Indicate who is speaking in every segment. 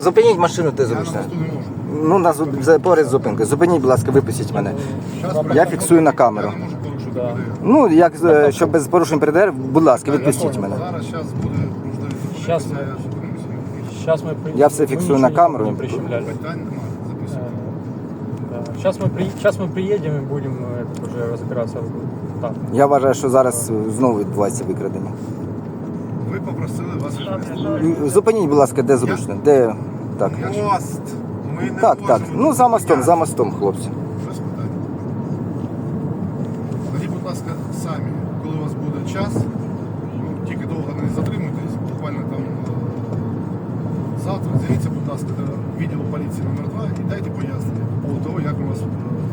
Speaker 1: Зупиніть машину, де зручно. Ну, поряд з зупинкою. Зупиніть, будь ласка, випустіть мене. Я фіксую на камеру. Ну, як, щоб без порушень ПДР, будь ласка, відпустіть мене.
Speaker 2: Сейчас мы
Speaker 1: Я все фиксирую на камеру.
Speaker 2: Не прищемляли. Сейчас мы приедем и будем уже разбираться. Так.
Speaker 1: Я вважаю, що зараз знову відбувається викрадення.
Speaker 3: Ви попросили вас вивезти.
Speaker 1: Зупиніть, будь ласка, де зручно. Де так.
Speaker 3: Мост. Ми не
Speaker 1: Так, так.
Speaker 3: можемо
Speaker 1: Ну, за мостом, хлопці.
Speaker 3: Без питань. Тоді, будь ласка, самі, коли у вас буде час, ну, тільки довго не затримуйтесь, буквально там завтра з'явіться, будь ласка, до відділу поліції номер 2 і дайте пояснення по поводу того, як у вас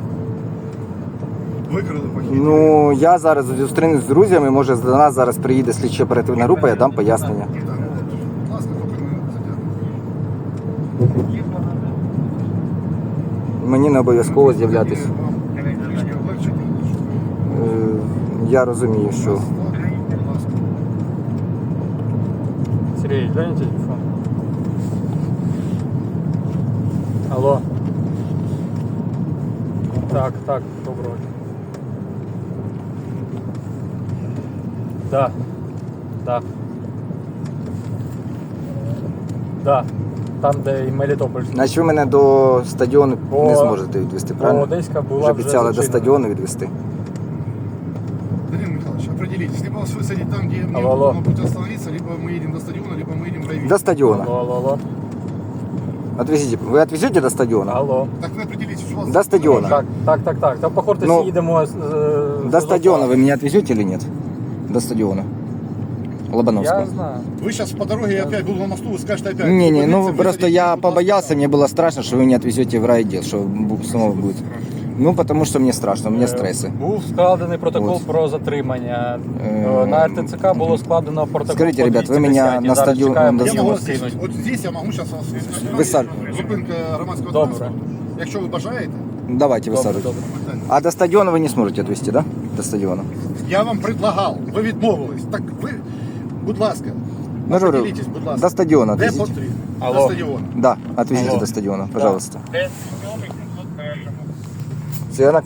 Speaker 3: викрили похід.
Speaker 1: Ну, я зараз зустрінусь з друзями, може до нас зараз приїде слідчо оперативна група, я дам пояснення.
Speaker 3: Так, ну, будь ласка, тільки не затягнути.
Speaker 1: Мені не обов'язково з'являтись.
Speaker 3: Вам трішки облегчить.
Speaker 1: Я розумію, що
Speaker 3: Будь ласка.
Speaker 2: Сергей, глянь телефон. Алло. Так, доброго дня. Да. Там, де і Мелітополь.
Speaker 1: значить ви мене до стадіону не зможете відвести, правильно?
Speaker 2: Одеська була
Speaker 1: Вже обіцяли до
Speaker 2: зачинена.
Speaker 1: стадіону відвести.
Speaker 3: Данил Михайлович, определитесь, либо вас высадить там, где мне
Speaker 2: Алло.
Speaker 3: нужно будет остановиться, либо мы едем до стадиона, либо мы едем в райвид.
Speaker 1: До стадіона.
Speaker 2: Алло.
Speaker 1: Отвезите. Ви відвезете до стадіона?
Speaker 2: Алло.
Speaker 3: Так вы определитесь, у вас...
Speaker 1: До стадиона.
Speaker 2: Так. Там, походу,
Speaker 1: Ну,
Speaker 2: їдемо...
Speaker 1: До стадиона вы меня отвезете или нет? До стадиона. Лобановского.
Speaker 2: Я знаю.
Speaker 3: Вы сейчас по дороге опять буду на мосту, вы скажете опять...
Speaker 1: Не, ну
Speaker 3: Полиция,
Speaker 1: просто
Speaker 3: высадите,
Speaker 1: я
Speaker 3: будь ласка.
Speaker 1: побоялся, мне было страшно, что вы не отвезете в райотдел, что снова будет. Ну, потому что мне страшно, у меня стрессы.
Speaker 2: Був складений протокол
Speaker 1: От.
Speaker 2: про затримання. На РТЦК було складено протокол.
Speaker 1: Скажите,
Speaker 2: по
Speaker 1: ребят, вы
Speaker 2: 210,
Speaker 1: меня на
Speaker 2: зараз
Speaker 1: стадіон-
Speaker 2: чекаємо,
Speaker 1: на
Speaker 3: Я
Speaker 2: його
Speaker 3: могу
Speaker 2: скинуть.
Speaker 3: здесь, вот здесь я могу сейчас вас... Зупинка громадського
Speaker 2: Добре.
Speaker 3: транспорту. Якщо ви бажаєте,
Speaker 1: Давайте высаживайте.
Speaker 2: Добре.
Speaker 1: А до стадиона вы не сможете отвезти, да? До стадиона.
Speaker 3: я вам предлагав, ви відмовились. Так ви, будь ласка,
Speaker 1: Ну, говорю,
Speaker 3: определитесь, будь ласка.
Speaker 1: до стадиона
Speaker 3: Де
Speaker 1: отвезите.
Speaker 3: потрібно? До
Speaker 2: Алло.
Speaker 3: стадіону.
Speaker 1: Да, отвезите
Speaker 2: Алло.
Speaker 1: до стадиона,
Speaker 2: Да.
Speaker 1: пожалуйста. Все,